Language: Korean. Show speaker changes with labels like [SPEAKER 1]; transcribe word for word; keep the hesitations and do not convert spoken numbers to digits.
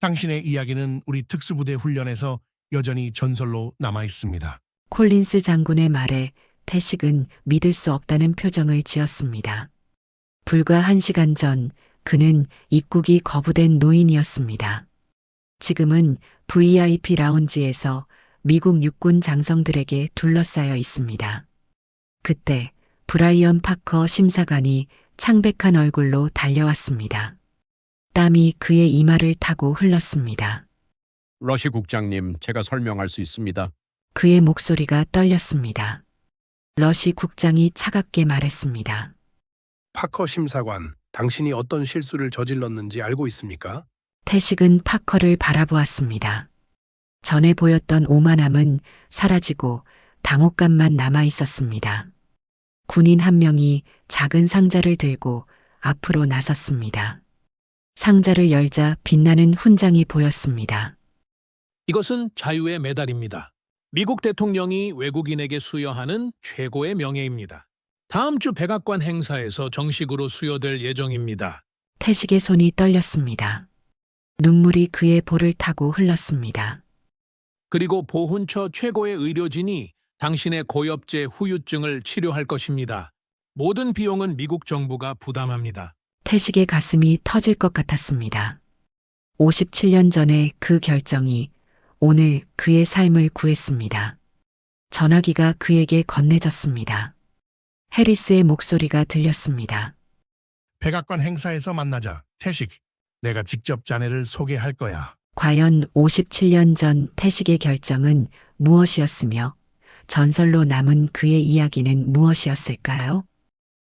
[SPEAKER 1] 당신의 이야기는 우리 특수부대 훈련에서 여전히 전설로 남아 있습니다.
[SPEAKER 2] 콜린스 장군의 말에 태식은 믿을 수 없다는 표정을 지었습니다. 불과 한 시간 전 그는 입국이 거부된 노인이었습니다. 지금은 브이아이피 라운지에서 미국 육군 장성들에게 둘러싸여 있습니다. 그때 브라이언 파커 심사관이 창백한 얼굴로 달려왔습니다. 땀이 그의 이마를 타고 흘렀습니다.
[SPEAKER 3] 러시 국장님, 제가 설명할 수 있습니다.
[SPEAKER 2] 그의 목소리가 떨렸습니다. 러시 국장이 차갑게 말했습니다.
[SPEAKER 4] 파커 심사관, 당신이 어떤 실수를 저질렀는지 알고 있습니까?
[SPEAKER 2] 태식은 파커를 바라보았습니다. 전에 보였던 오만함은 사라지고 당혹감만 남아 있었습니다. 군인 한 명이 작은 상자를 들고 앞으로 나섰습니다. 상자를 열자 빛나는 훈장이 보였습니다.
[SPEAKER 5] 이것은 자유의 메달입니다. 미국 대통령이 외국인에게 수여하는 최고의 명예입니다. 다음 주 백악관 행사에서 정식으로 수여될 예정입니다.
[SPEAKER 2] 태식의 손이 떨렸습니다. 눈물이 그의 볼을 타고 흘렀습니다.
[SPEAKER 5] 그리고 보훈처 최고의 의료진이 당신의 고엽제 후유증을 치료할 것입니다. 모든 비용은 미국 정부가 부담합니다.
[SPEAKER 2] 태식의 가슴이 터질 것 같았습니다. 오십칠 년 전의 그 결정이 오늘 그의 삶을 구했습니다. 전화기가 그에게 건네졌습니다. 해리스의 목소리가 들렸습니다.
[SPEAKER 1] 백악관 행사에서 만나자. 태식, 내가 직접 자네를 소개할 거야.
[SPEAKER 2] 과연 오십칠 년 전 태식의 결정은 무엇이었으며 전설로 남은 그의 이야기는 무엇이었을까요?